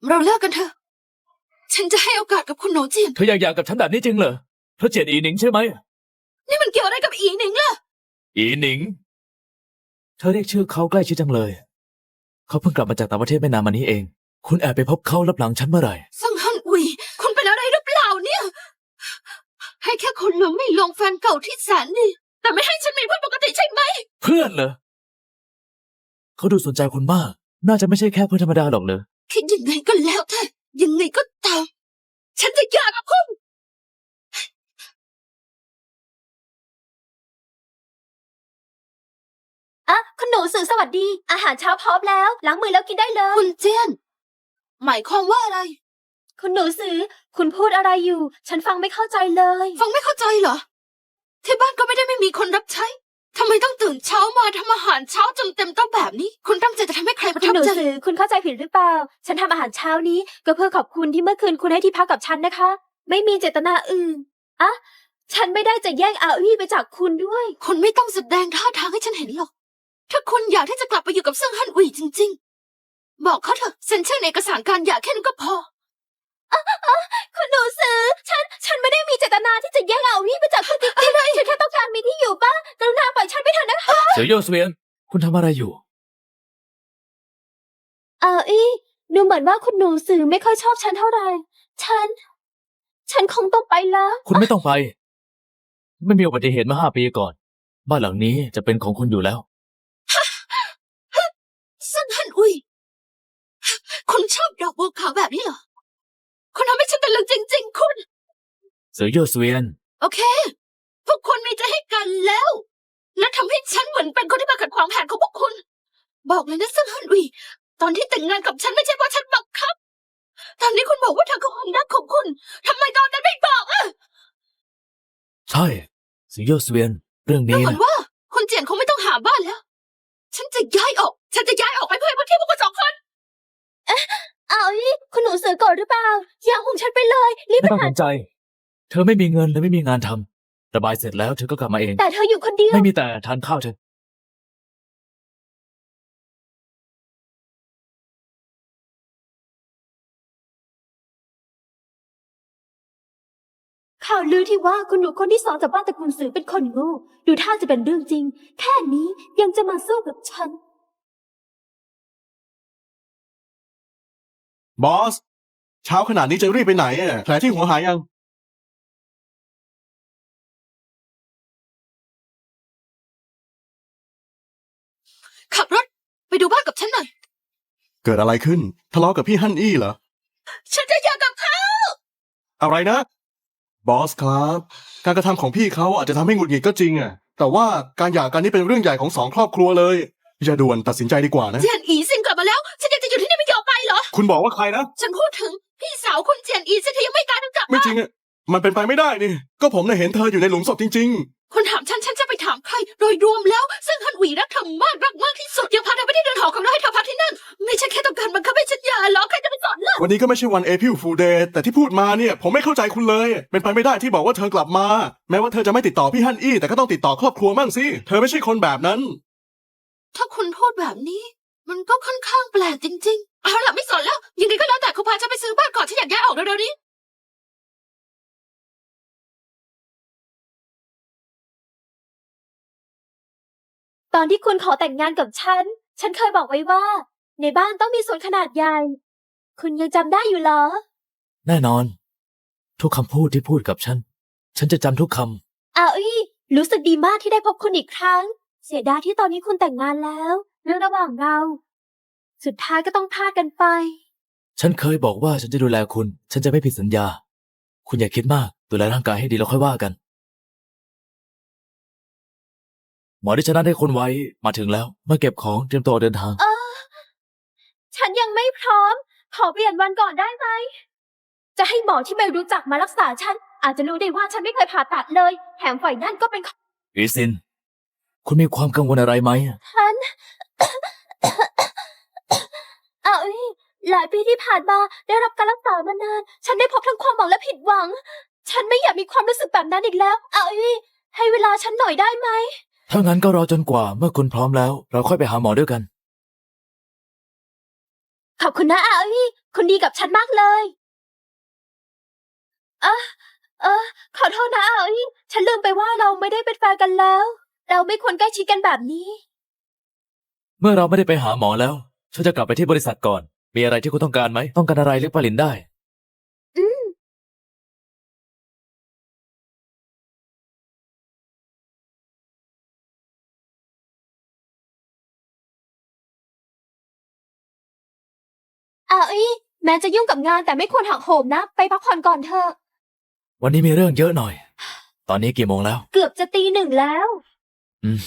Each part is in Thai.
เราเลิกกันเถอะฉันจะให้โอกาสกับคุณโหนเจียนเธออยากหย่ากับฉันแบบนี้จริงเหรอเพราะเจียนอีหนิงใช่ไหมนี่มันเกี่ยวอะไรกับอีหนิงล่ะอีหนิงเธอเรียกชื่อเขาใกล้ชิดจังเลยเขาเพิ่งกลับมาจากต่างประเทศไม่นานมานี้เองคุณแอบไปพบเขาลับหลังฉันเมื่อไหร่ซังฮันอุยคุณเป็นอะไรหรือเปล่าเนี่ยให้แค่คนหลงไม่ลงแฟนเก่าที่แสนดีแต่ไม่ให้ฉันมีเพื่อนปกติใช่ไหมเพื่อนเหรอเขาดูสนใจคุณมากน่าจะไม่ใช่แค่เพื่อนธรรมดาหรอกเลยคิดยังไงก็แล้วแต่ยังไงก็ตามฉันจะหย่ากับคุณคุณหนูสื่อสวัสดีอาหารเช้าพร้อมแล้วล้างมือแล้วกินได้เลยคุณเจียนหมายความว่าอะไรคุณหนูสื่อคุณพูดอะไรอยู่ ฉันฟังไม่เข้าใจเลยฟังไม่เข้าใจเหรอที่บ้านก็ไม่มีคนรับใช้ทำไมต้องตื่นเช้ามาทำอาหารเช้าจนเต็มโต๊ะแบบนี้คุณตั้งใจจะทำให้ใครประคุทัณหนูบใจสื่อคุณเข้าใจผิดหรือเปล่าฉันทำอาหารเช้านี้ก็เพื่อขอบคุณที่เมื่อคืนคุณให้ที่พักกับฉันนะคะไม่มีเจตนาอื่นฉันไม่ได้จะแย่งอาวี่ไปจากคุณด้วยคุณไม่ต้องแสดงท่าทางให้ฉันเห็นหรอกถ้าคุณอยากที่จะกลับไปอยู่กับเซิงฮั่นอุ๋ยจริงๆบอกเขาเถอะเซ็นชื่อในเอกสารการหย่าแค่นั้นก็พอคุณหนูสื่อฉันไม่ได้มีเจตนาที่จะแย่งอาวี่ไปจากคุณจริงๆฉันแค่ต้องการมีที่อยู่บ้างกรุณาปล่อยฉันไปเถอะนะคะเสี่ยวโย่เสวียนคุณทำอะไรอยู่อาวี่ดูเหมือนว่าคุณหนูสื่อไม่ค่อยชอบฉันเท่าไหร่ฉันคงต้องไปแล้วคุณไม่ต้องไปไม่มีอุบัติเหตุมา5 ปีก่อนบ้านหลังนี้จะเป็นของคุณอยู่แล้วเซิงฮั่นอุ๋ยคุณชอบดอกบัวขาวแบบนี้เหรอคุณทำให้ฉันตะลึงจริงๆคุณเสี่ยวโย่เสวียนโอเคพวกคุณมีใจให้กันแล้วและทำให้ฉันเหมือนเป็นคนที่มาขัดขวางแผนของพวกคุณบอกเลยนะเซิงฮั่นอุ๋ยตอนที่แต่งงานกับฉันไม่ใช่เพราะฉันบังคับตอนนี้คุณบอกว่าเธอคือความรักของคุณทำไมตอนนั้นไม่บอกใช่เสี่ยวโย่เสวียนเรื่องดูนี้เหมือนว่าคุณเจียนคงไม่ต้องหาบ้านแล้วฉันจะย้ายออกไปเพื่อให้พื้นที่พวกคุณ2 คนคุณหนูสื่อก่อนหรือเปล่าอย่าของฉันไปเลยรีบไม่ไปต้องหาสนใจเธอไม่มีเงินและไม่มีงานทำระบายเสร็จแล้วเธอก็กลับมาเองแต่เธออยู่คนเดียวไม่มีแต่ทานข้าวเธอข่าวลือที่ว่าคุณหนูคนที่2จากบ้านตระกูลสื่อเป็นคนโง่ดูท่าจะเป็นเรื่องจริงแค่นี้ยังจะมาสู้กับฉันบอสเช้าขนาดนี้จะรีบไปไหนอ่ะแผลที่หัวหายยังขับรถไปดูบ้านกับฉันหน่อยเกิดอะไรขึ้นทะเลาะกับพี่ฮั่นอี้เหรอฉันจะหย่ากับเขาอะไรนะบอสครับการกระทำของพี่เขาอาจจะทำให้หงุดหงิดก็จริงอ่ะแต่ว่าการหย่ากันนี่เป็นเรื่องใหญ่ของ2 ครอบครัวเลยอย่าด่วนตัดสินใจดีกว่านะเจียนอีซินกลับมาแล้วฉันยังจะอยู่ที่นี่ไม่ยอมไปเหรอคุณบอกว่าใครนะฉันพูดถึงพี่สาวคุณเจียนอีซินเธอยังไม่ตายเธอกลับไม่จริงอ่ะมันเป็นไปไม่ได้นี่ก็ผมน่ะเห็นเธออยู่ในหลุมศพจริงคุณถามฉันจะไปถามใครโดยรวมแล้วซึ่งฮันหวีรักเธอมากที่สุดยังพาเธอไปที่เดินหอของเราให้เธอพักที่นั่นไม่ใช่แค่ต้องการบังคับให้ฉันหย่าหรอกใครจะไปสอนล่ะๆวันนี้ก็ไม่ใช่วันเอพิลฟูลเดย์แต่ที่พูดมาเนี่ยผมไม่เข้าใจคุณเลยเป็นไปไม่ได้ที่บอกว่าเธอกลับมาแม้ว่าเธอจะไม่ติดต่อพี่ฮั่นอี้แต่ก็ต้องติดต่อครอบครัวมั่งสิเธอไม่ใช่คนแบบนั้นถ้าคุณพูดแบบนี้มันก็ค่อนข้างแปลกจริงๆเอาล่ะไม่สอนแล้วยังไงก็แล้วแต่คุณพาฉันไปซื้อบ้านก่อนฉันอยากย้ายออกเร็วๆนี้ตอนที่คุณขอแต่งงานกับฉันเคยบอกไว้ว่าในบ้านต้องมีสวนขนาดใหญ่คุณยังจำได้อยู่เหรอแน่นอนทุกคำพูดที่พูดกับฉันจะจำทุกคำรู้สึกดีมากที่ได้พบคุณอีกครั้งเสียดายที่ตอนนี้คุณแต่งงานแล้วเรื่องระหว่างเราสุดท้ายก็ต้องพลาดกันไปฉันเคยบอกว่าฉันจะดูแลคุณฉันจะไม่ผิดสัญญาคุณอย่าคิดมากดูแลร่างกายให้ดีแล้วค่อยว่ากันหมอที่ฉันนัดให้คนไว้มาถึงแล้วมาเก็บของเตรียมตัวเดินทางฉันยังไม่พร้อมขอเปลี่ยนวันก่อนได้ไหมจะให้หมอที่ไม่รู้จักมารักษาฉันอาจจะรู้ได้ว่าฉันไม่เคยผ่าตัดเลยแถมฝ่ายนั่นก็เป็นอีซินคุณมีความกังวลอะไรไหมฉัน หลายปีที่ผ่านมาได้รับการรักษามานานฉันได้พบทั้งความหวังและผิดหวังฉันไม่อยากมีความรู้สึกแบบนั้นอีกแล้วให้เวลาฉันหน่อยได้ไหมถ้างั้นก็รอจนกว่าเมื่อคุณพร้อมแล้วเราค่อยไปหาหมอด้วยกันขอบคุณนะคุณดีกับฉันมากเลยขอโทษนะอาอี้ฉันลืมไปว่าเราไม่ได้เป็นแฟนกันแล้ว เราไม่ควรใกล้ชิดกันแบบนี้เมื่อเราไม่ได้ไปหาหมอแล้ว ฉันจะกลับไปที่บริษัทก่อน มีอะไรที่คุณต้องการไหม ต้องการอะไรเรียกปาลินได้อืมอาอี้แม้จะยุ่งกับงานแต่ไม่ควรหักโหมนะ ไปพักผ่อนก่อนเถอะวันนี้มีเรื่องเยอะหน่อย ตอนนี้กี่โมงแล้วเกือบจะตี 1แล้วอืม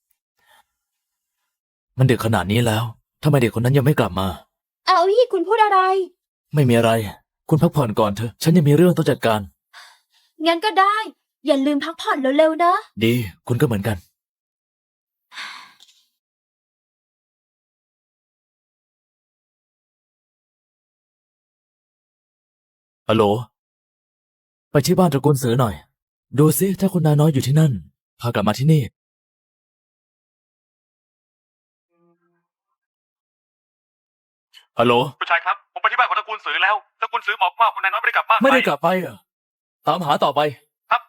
มันดึกขนาดนี้แล้วทำไมเด็กคนนั้นยังไม่กลับมาอาอี้คุณพูดอะไรไม่มีอะไร คุณพักผ่อนก่อนเถอะ ฉันยังมีเรื่องต้องจัดการงั้นก็ได้ อย่าลืมพักผ่อนเร็วๆนะดี คุณก็เหมือนกัน ฮัลโหล ไปที่บ้านตระกูลเสือหน่อย ดูซิถ้าคุณนายน้อยอยู่ที่นั่น พากลับมาที่นี่ ฮัลโหลคุณชายครับ ผมไปที่บ้านของตระกูลสือแล้วตระกูลสือบอกว่าคุณนายน้อยไม่ได้กลับบ้านไม่ได้กลับไปเหรอตามหาต่อไปครับ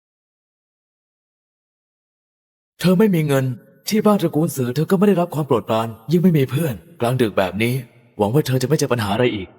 เธอไม่มีเงิน ที่บ้านตระกูลเสือเธอก็ไม่ได้รับความโปรดปราน ยิ่งไม่มีเพื่อน กลางดึกแบบนี้ หวังว่าเธอจะไม่เจอปัญหาอะไรอีก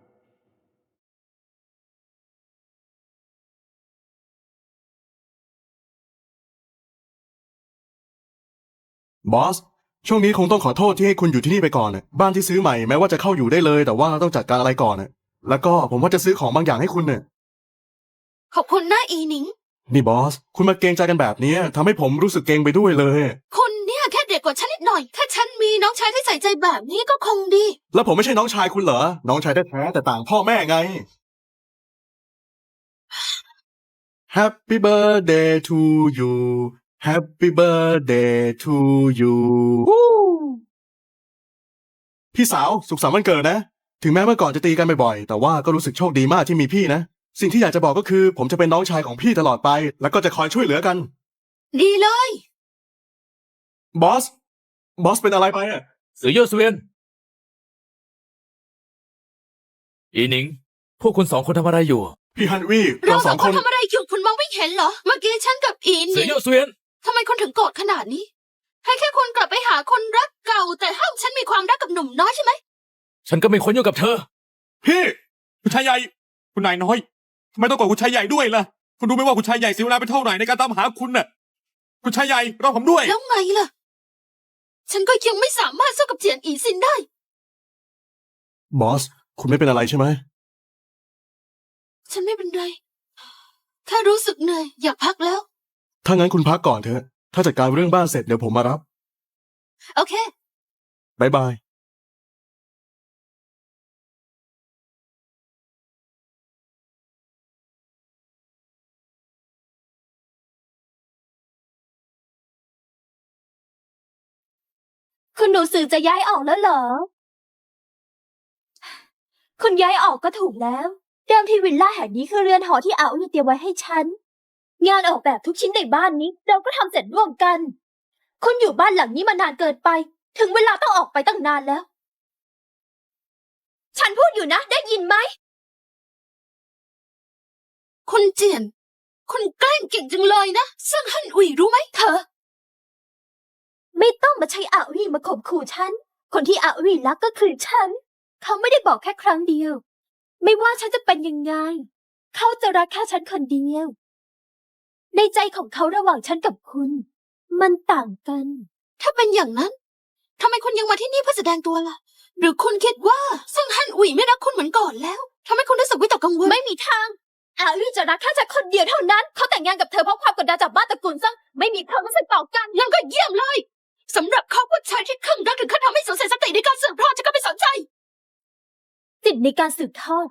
บอส ช่วงนี้คงต้องขอโทษที่ให้คุณอยู่ที่นี่ไปก่อนน่ะบ้านที่ซื้อใหม่แม้ว่าจะเข้าอยู่ได้เลย แต่ว่าต้องจัดการอะไรก่อนน่ะแล้วก็ผมว่าจะซื้อของบางอย่างให้คุณเนี่ยขอบคุณนะอีหนิงนี่บอส คุณมาเกรงใจกันแบบนี้ทำให้ผมรู้สึกเกรงไปด้วยเลยคุณเนี่ยแค่เด็กกว่าฉันนิดหน่อย ถ้าฉันมีน้องชายที่ใส่ใจแบบนี้ก็คงดีแล้วผมไม่ใช่น้องชายคุณเหรอ น้องชายแท้ๆแต่ต่างพ่อแม่ไง Happy birthday to you Happy birthday to you พี่สาวสุขสันต์วันเกิดนะ ถึงแม้เมื่อก่อนจะตีกันบ่อยๆแต่ว่าก็รู้สึกโชคดีมากที่มีพี่นะ สิ่งที่อยากจะบอกก็คือ ผมจะเป็นน้องชายของพี่ตลอดไป แล้วก็จะคอยช่วยเหลือกันดีเลยบอส บอสเป็นอะไรไปอ่ะเสือเย่อเสวียน อีหนิง พวกคุณสองคนทำอะไรอยู่พี่ฮันวี่เราเราสสออง งคคน นทำอะไรอยู่คุณมองไม่เห็นเหรอ เมื่อกี้ฉันกับอีหเสืนิอง เย่อเสวียนทำไมคุณถึงโกรธขนาดนี้ ให้แค่คุณกลับไปหาคนรักเก่า แต่ห้ามฉันมีความรักกับหนุ่มน้อยใช่ไหมฉันก็ไม่ควรอยู่กับเธอพี่คุณชายใหญ่ คุณนายน้อยทำไมต้องโกรธคุณชายใหญ่ด้วยล่ะ คุณรู้ไหมว่าคุณชายใหญ่เสียเวลาไปเท่าไหร่ในการตามหาคุณน่ะ คุณชายใหญ่รอผมด้วยแล้วไงล่ะ ฉันก็ยังไม่สามารถสู้กับเจียนอีซินได้บอส คุณไม่เป็นอะไรใช่ไหมฉันไม่เป็นไร แค่รู้สึกเหนื่อยอยากพักแล้วถ้างั้นคุณพักก่อนเถอะ ถ้าจัดการเรื่องบ้านเสร็จเดี๋ยวผมมารับโอเคบ๊ายบายคุณหนูสื่อจะย้ายออกแล้วเหรอ คุณย้ายออกก็ถูกแล้ว เดิมที่วิลล่าแห่งนี้คือเรือนหอที่อาอี้เตรียมไว้ให้ฉัน งานออกแบบทุกชิ้นในบ้านนี้ เราก็ทำเสร็จร่วมกัน คุณอยู่บ้านหลังนี้มานานเกินไป ถึงเวลาต้องออกไปตั้งนานแล้ว ฉันพูดอยู่นะ ได้ยินไหมคุณเจียน คุณแกล้งเก่งจังเลยนะซึ่งฮั่นอุ๋ยรู้ไหมเธอไม่ต้องมาใช้อาวี่มาข่มขู่ฉัน คนที่อาวี่รักก็คือฉัน เขาไม่ได้บอกแค่ครั้งเดียว ไม่ว่าฉันจะเป็นยังไง เขาจะรักแค่ฉันคนเดียว ในใจของเขาระหว่างฉันกับคุณ มันต่างกันถ้าเป็นอย่างนั้นทำไมคุณยังมาที่นี่เพื่อแสดงตัวล่ะ หรือคุณคิดว่าซึ่งฮั่นอุ๋ยไม่รักคุณเหมือนก่อนแล้วทำให้คุณรู้สึกวิตกกังวลไม่มีทาง อาวี่จะรักแค่ฉันคนเดียวเท่านั้น เขาแต่งงานกับเธอเพราะความกดดันจากบ้านตระกูลซึ่งไม่มีความรู้สึกต่อกันงั้นก็เยี่ยมเลยสำหรับเขาผู้ชายที่คลั่งรักถึงขั้นทำให้สูญเสียสติในการสืบทอดฉันก็ไม่สนใจสิทธิ์ในการสืบทอด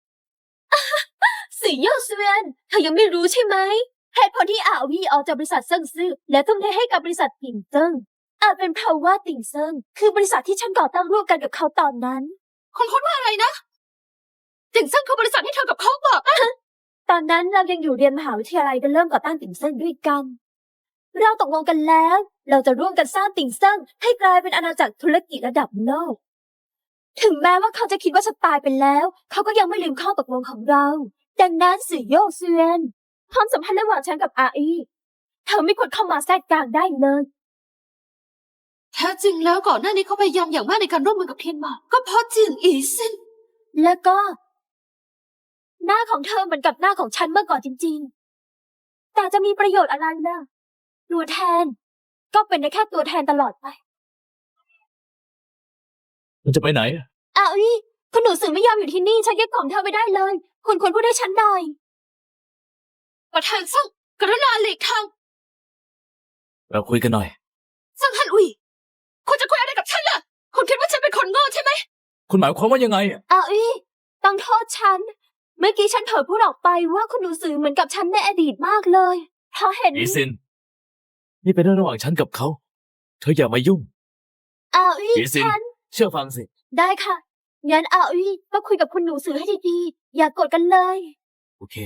สีเย่อเซวียนเธอยังไม่รู้ใช่ไหมเหตุผลที่อาวีออกจากบริษัทเซิงซื่อและทุ่มเทให้กับบริษัทติ่งเซิงอาจเป็นเพราะว่าติ่งเซิงคือบริษัทที่ฉันก่อตั้งร่วมกันกับเขาตอนนั้นคุณพูดว่าอะไรนะติ่งเซิ่งคือบริษัทที่เธอกับเขาบอกอะตอนนั้นเรายังอยู่เรียนมหาวิทยาลัยกันเริ่มก่อตั้งติ่งเซิงด้วยกัน เราตกลงกันแล้ว เราจะร่วมกันสร้างติ่งเซิงให้กลายเป็นอาณาจักรธุรกิจระดับโลกถึงแม้ว่าเขาจะคิดว่าฉันตายไปแล้ว เขาก็ยังไม่ลืมข้อตกลงของเรา ดังนั้นสื่อโยกเซียนความสัมพันธ์ระหว่างฉันกับอาอีเธอไม่ควรเข้ามาแทรกกลางได้เลยแท้จริงแล้วก่อนหน้านี้เขาพยายามอย่างมากในการร่วมมือกับเทียนหมาก็เพราะเจียงอีซินแล้วก็ หน้าของเธอเหมือนกับหน้าของฉันเมื่อก่อนจริงๆ แต่จะมีประโยชน์อะไรล่ะตัวแทน ก็เป็นได้แค่ตัวแทนตลอดไปมันจะไปไหนอาอีคุณหนูสื่อไม่ยอมอยู่ที่นี่ฉันยึดของเธอไปได้เลย คุณควรพูดให้ฉันหน่อยประธานซ่งกรุณาหลีกทางเราคุยกันหน่อยซ่งฮันอุยคุณจะคุยอะไรกับฉันล่ะ คุณคิดว่าฉันเป็นคนโง่ใช่ไหมคุณหมายความว่ายังไงอาอีต้องโทษฉัน เมื่อกี้ฉันเผลอพูดออกไปว่าคุณหนูสื่อเหมือนกับฉันในอดีตมากเลยเพราะเห็นอีซิน นี่เป็นเรื่องระหว่างฉันกับเขา เธออย่ามายุ่งอาอีอีซินฉันเชื่อฟังสิได้ค่ะ งั้นอาอีก็คุยกับคุณหนูสื่อให้ดีๆ อย่ากดกันเลยโอเค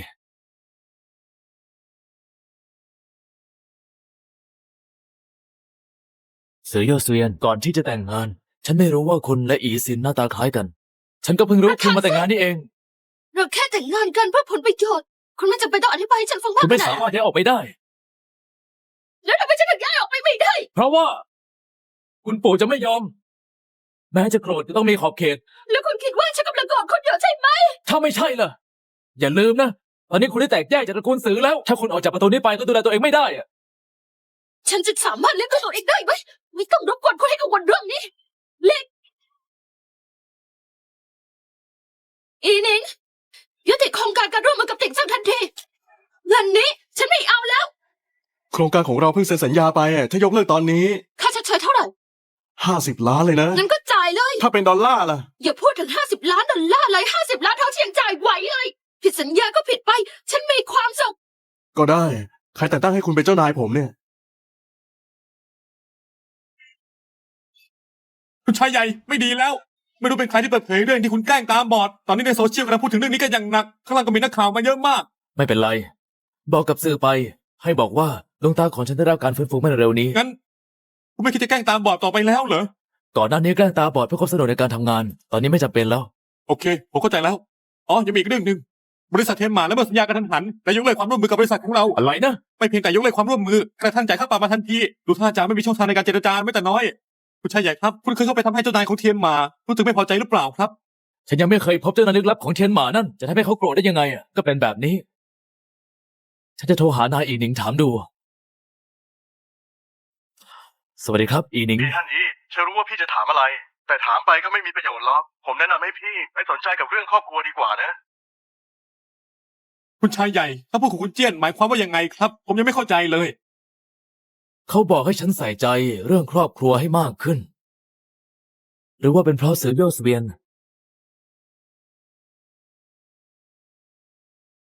เสือโยเซียนก่อนที่จะแต่งงาน ฉันไม่รู้ว่าคุณและอีซินหน้าตาคล้ายกัน ฉันก็เพิ่งรู้คุณมาแต่งงานนี่เองเราแค่แต่งงานกันเพื่อผลประโยชน์ คุณไม่จำเป็นต้องอธิบายให้ฉันฟังมาคุกณขไม่นาดสามารนั้นถย้ายออกไปได้แล้วทำไมฉันถึงย้ายออกไปไม่ได้เพราะว่า คุณปู่จะไม่ยอม แม้จะโกรธจะต้องมีขอบเขตแล้วคุณคิดว่าฉันกำลังโกรธคุณอยู่ใช่ไหมถ้าไม่ใช่ล่ะ อย่าลืมนะ ตอนนี้คุณได้แตกแยกจากตระกูลสือแล้ว ถ้าคุณออกจากประตูนี้ไปก็ดูแลตัวเองไม่ได้อะฉันจะสามารถเลี้ยงดูตัวเองได้ไหมไม่ต้องรบกวนคุณให้กังวลเรื่องนี้ เล็กอีนิงยุติโครงการการร่วมมือกับติ่งซ่างทันทีเงินนี้ฉันไม่เอาแล้วโครงการของเราเพิ่งเซ็นสัญญาไปอะถ้ายกเลิกตอนนี้ค่าชดเชยเท่าไหร่ 50 ล้านเลยนะงั้นก็จ่ายเลยถ้าเป็นดอลลาร์ล่ะอย่าพูดถึง50 ล้านดอลลาร์เลย50 ล้านเท่าที่ยังจ่ายไหวเลยผิดสัญญาก็ผิดไป ฉันมีความสุขก็ได้ ใครแต่งตั้งให้คุณเป็นเจ้านายผมเนี่ยคุณชายใหญ่ไม่ดีแล้ว ไม่รู้เป็นใครที่เปิดเผยเรื่องที่คุณแกล้งตาบอด ตอนนี้ในโซเชียลกำลังพูดถึงเรื่องนี้กันอย่างหนัก ข้างล่างก็มีนักข่าวมาเยอะมากไม่เป็นไร บอกกับสื่อไป ให้บอกว่าดวงตาของฉันได้รับการฟื้นฟูเมื่อเร็วนี้งั้น คุณไม่คิดจะแกล้งตาบอดต่อไปแล้วเหรอก่อนหน้านี้แกล้งตาบอดเพื่อความสะดวกในการทำงาน ตอนนี้ไม่จำเป็นแล้วโอเค ผมเข้าใจแล้ว อ๋อ ยังมีอีกเรื่องหนึ่ง บริษัทเทมมาและเมื่อสัญญากันทันหันและยกเลิกความร่วมมือกับบริษัทของเราอะไรนะไม่เพียงแต่ยกเลิกความร่วมมือกระทั่งจ่ายค่าปรับมาทันที ดูท่าจะไม่มีช่องทางในการเจรจาไม่แต่น้อย คุณชายใหญ่ครับ คุณเคยเข้าไปทำให้เจ้านายของเทียนมารู้สึกไม่พอใจหรือเปล่าครับฉันยังไม่เคยพบเจ้านายลึกลับของเทียนหมานั่น จะทำให้เขาโกรธได้ยังไงอะก็เป็นแบบนี้ ฉันจะโทรหานายอีหนิงถามดู สวัสดีครับ อีหนิงพี่ท่านอีฉันรู้ว่าพี่จะถามอะไร แต่ถามไปก็ไม่มีประโยชน์หรอก ผมแนะนำให้พี่ไม่สนใจกับเรื่องครอบครัวดีกว่านะคุณชายใหญ่ถ้าพูดของคุณเจี้ยนหมายความว่ายังไงครับ ผมยังไม่เข้าใจเลยเขาบอกให้ฉันใส่ใจเรื่องครอบครัวให้มากขึ้น หรือว่าเป็นเพราะเสือโยสเวียน